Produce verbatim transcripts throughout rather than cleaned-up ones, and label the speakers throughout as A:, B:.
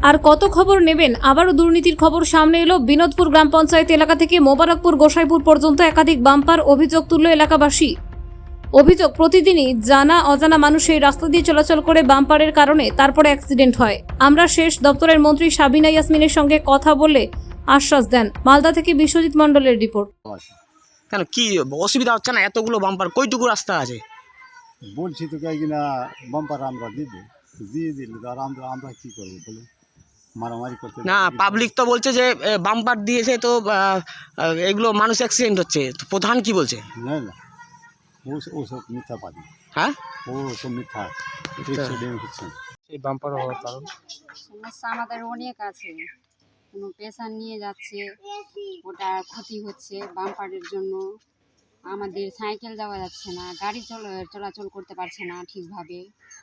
A: আর কত খবর নেবেন? আবারও দুর্নীতির খবর সামনে এলো। বিনোদপুর গ্রাম পঞ্চায়েত এলাকা থেকে মোবারকপুর গোসাইপুর পর্যন্ত একাধিক বাম্পার অভিযোগ তুলল এলাকাবাসী। অভিযোগ, প্রতিদিনই জানা অজানা মানুষ এই রাস্তা দিয়ে চলাচল করে বাম্পারের কারণে তারপরে অ্যাক্সিডেন্ট হয়। আমরা শেষ দপ্তরের মন্ত্রী সাবিনা ইয়াসমিনের সঙ্গে কথা বলে আশ্বাস দেন। মালদা থেকে বিশ্বজিৎ মণ্ডলের রিপোর্ট।
B: কেন কি অসুবিধা হচ্ছে না? এতগুলো বাম্পার, কইটুকু রাস্তা আছে?
C: বলছি তো কিনা বাম্পার আমরা দিব, দিয়ে দিলে আর আমরা আমরা কি করবো বলে মারামারি করতে
B: না, পাবলিক তো বলছে যে বাম্পার দিয়েছে তো আহ, এগুলো মানুষ অ্যাক্সিডেন্ট হচ্ছে। তো প্রধান কি বলছে?
C: না না, ও ও সব মিথ্যা পাবি,
B: হ্যাঁ
C: ও সব মিথ্যা অ্যাক্সিডেন্ট হচ্ছে।
B: এই বাম্পার হওয়ার কারণ
D: সমস্যা আমাদের অনেক আছে। কোনো পেশেন্ট নিয়ে যাচ্ছে, ওটা ক্ষতি হচ্ছে বাম্পারের জন্য। আমাদের সাইকেল যাওয়া যাচ্ছে না, গাড়ি চল চলাচল করতে পারছে না ঠিকভাবে।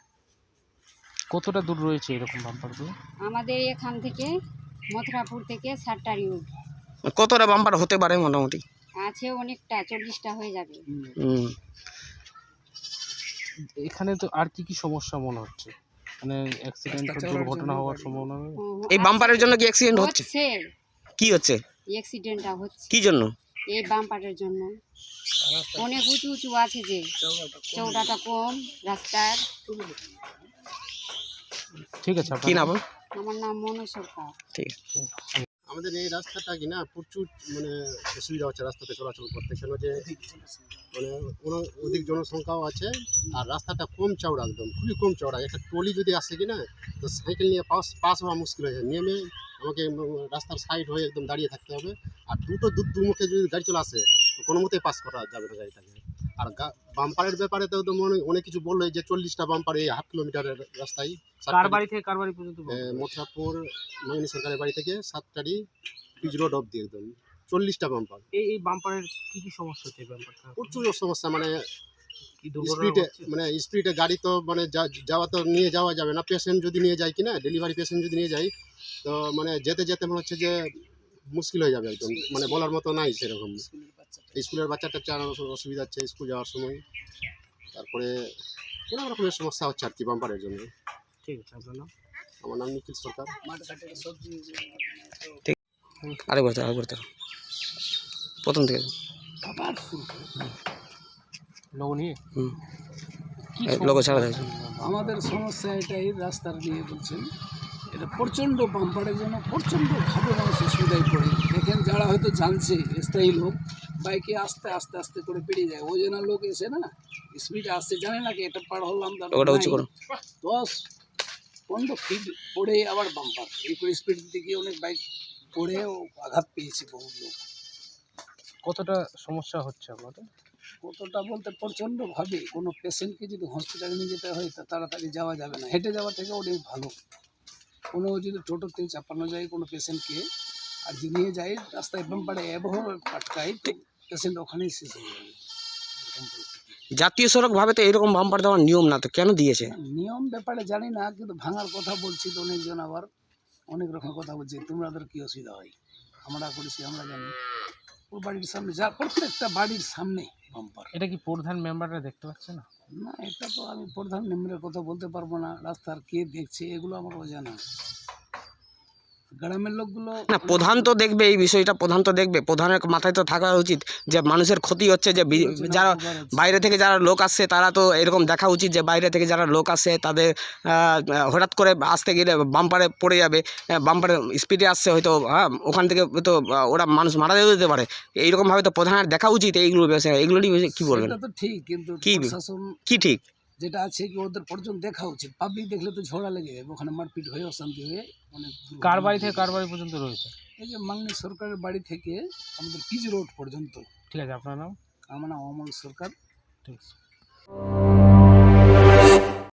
E: কতটা দূর রয়েছে এরকম বাম্পারগুলো?
D: আমাদের এখান থেকে মথুরাপুর থেকে সাতটারি
B: কতটা বাম্পার হতে পারে মোটামুটি?
D: আছে, অনেকটা, চল্লিশটা হয়ে যাবে।
B: হুম।
E: এখানে তো আর কি কি সমস্যা মনে হচ্ছে? মানে অ্যাক্সিডেন্ট দুর্ঘটনা হওয়ার সম্ভাবনা?
B: এই বাম্পারের জন্য কি অ্যাক্সিডেন্ট হচ্ছে?
D: হচ্ছে
B: কি হচ্ছে?
D: অ্যাক্সিডেন্টটা হচ্ছে
B: কি জন্য?
D: এই বাম্পারের জন্য। অনেক উঁচু উঁচু আছে, যে চৌড়াটা কম রাস্তার।
E: ঠিক আছে,
B: কি নাম?
D: আমার নাম মনু সরকার।
B: ঠিক আছে।
F: আমাদের এই রাস্তাটা কি না প্রচুর মানে অসুবিধা হচ্ছে রাস্তাতে চলাচল করতে, কেন যে মানে কোনো অধিক জনসংখ্যাও আছে আর রাস্তাটা কম চওড়া, একদম খুবই কম চওড়া। একটা ট্রলি যদি আসে কি না, তো সাইকেল নিয়ে পাস পাস হওয়া মুশকিল হয়ে যায়। নেমে আমাকে রাস্তার সাইড হয়ে একদম দাঁড়িয়ে থাকতে হবে। আর দুটো দু দুমুখে যদি গাড়ি চলে আসে তো কোনো মতেই পাস করা যাবে না গাড়িটাকে। আর বাম্পারের ব্যাপারে তো একদম অনেক অনেক কিছু বললো, যে চল্লিশটা বাম্পার এই হাফ কিলোমিটারের রাস্তায়।
E: কার বাড়ি থেকে কার বাড়ি পর্যন্ত?
F: মথুরাপুর মাঙ্গনি সরকারের বাড়ি থেকে সাতটারি পিচ রোড অব্দি একদম চল্লিশটা বাম্পার।
E: এই এই বাম্পারের কি কি সমস্যা হচ্ছে? বাম্পারটা
F: প্রচুর সমস্যা, মানে
E: কি দুর্ঘটনা
F: স্পিডে
E: হচ্ছে?
F: মানে স্পিডে গাড়ি তো মানে যাওয়া তো নিয়ে যাওয়া যাবে না। পেশেন্ট যদি নিয়ে যায় কিনা, ডেলিভারি পেশেন্ট যদি নিয়ে যায়, তো মানে যেতে যেতে মনে হচ্ছে যে মুশকিল হয়ে যাবে একদম, মানে বলার মতো নাই সেরকম। স্কুলের বাচ্চাটা চার অসুবিধা হচ্ছে স্কুল যাওয়ার সময়। তারপরে অনেক রকমের সমস্যা হচ্ছে আর কি বাম্পারের জন্য।
E: ঠিক আছে, আপনার নাম?
F: আমার নাম নিখিল সরকার।
B: আরে বলতে আরে বলতে প্রথম থেকে
E: লোক নিয়ে
B: হুম
E: কি
B: লোক
E: সমস্যা
B: ছাড়া
E: হচ্ছে?
G: আমাদের সমস্যা এটাই, রাস্তার নিয়ে বলছেন। এটা প্রচণ্ড বাম্পারের জন্য প্রচণ্ডভাবে মানুষ অসুবিধায় পড়ে। দেখেন, যারা হয়তো জানছে স্থায়ী লোক, বাইকে আস্তে আস্তে আস্তে করে পেরিয়ে যায়। ওই জন্য লোক এসে না স্পিডে আসছে, জানে না কি এটা পার হলাম,
B: ওটা উঁচু করো।
G: দশ পনেরো ফিট পড়ে আবার বাম্পার। এই করে স্পিড দিতে গিয়ে অনেক বাইক পড়েও আঘাত পেয়েছে বহু লোক।
E: কতটা সমস্যা হচ্ছে আপনাদের?
G: কতটা বলতে প্রচণ্ডভাবে। কোনো পেশেন্টকে যদি হসপিটালে নিয়ে যেতে হয় তা তাড়াতাড়ি যাওয়া যাবে না। হেঁটে যাওয়া থেকে অনেক ভালো। কোনো যদি টোটোতে চাপানো যায় কোনো পেশেন্টকে, আর যদি নিয়ে যায় রাস্তায় বাম্পারে এভাবে আটকায়, তো পেশেন্ট ওখানেই শেষ হয়ে যাবে। এরকম পরিস্থিতি।
B: জাতীয় সড়ক ভাবে তো এরকম বাম্পার দেওয়ার নিয়ম না, তো কেন দিয়েছে?
G: নিয়ম ব্যাপারে জানি না, কিন্তু ভাঙার কথা বলছি তো অনেকজন, আবার অনেক রকম কথা বলছে। তোমাদের কী অসুবিধা হয়? আমরা করেছি, আমরা জানি। ও বাড়ির সামনে, যা প্রত্যেকটা বাড়ির সামনে বাম্পার।
E: এটা কি প্রধান মেম্বাররা দেখতে পাচ্ছে না?
G: না, এটা তো আমি প্রধান মেম্বারের কথা বলতে পারবো না। রাস্তার কে দেখছে এগুলো আমার অজানা। গ্রামের লোকগুলো
B: না, প্রধান তো দেখবে এই বিষয়টা, প্রধান তো দেখবে। প্রধানের মাথায় তো থাকা উচিত যে মানুষের ক্ষতি হচ্ছে, যে বি- যারা বাইরে থেকে যারা লোক আসছে তারা তো এরকম দেখা উচিত যে বাইরে থেকে যারা লোক আসছে তাদের আহ, হঠাৎ করে আসতে গেলে বাম্পারে পড়ে যাবে, বাম্পারে স্পিডে আসছে হয়তো, হ্যাঁ ওখান থেকে তো ওরা মানুষ মারা যেতে পারে। এইরকমভাবে তো প্রধানের দেখা উচিত এইগুলো বিষয়। এইগুলো নিয়ে কী বলবেন?
G: সেটা তো ঠিক, কিন্তু
B: কি
G: প্রশাসন
B: কি ঠিক
G: যেটা আছে কি ওদের পর্যন্ত দেখা উচিত। পাবলিক দেখলে তো ঝগড়া লেগে যাবে, ওখানে মারপিট হয়ে অশান্তি হয়ে অনেক দুর্ঘটনা
E: কার বাড়ি থেকে
G: ঘটে।
E: কার বাড়ি পর্যন্ত রয়েছে?
G: এই যে মাঙ্গনি সরকারের বাড়ি থেকে আমাদের পিচ রোড পর্যন্ত।
E: ঠিক আছে, আপনার নাম?
G: আমার নাম অমল সরকার।
E: ঠিক আছে।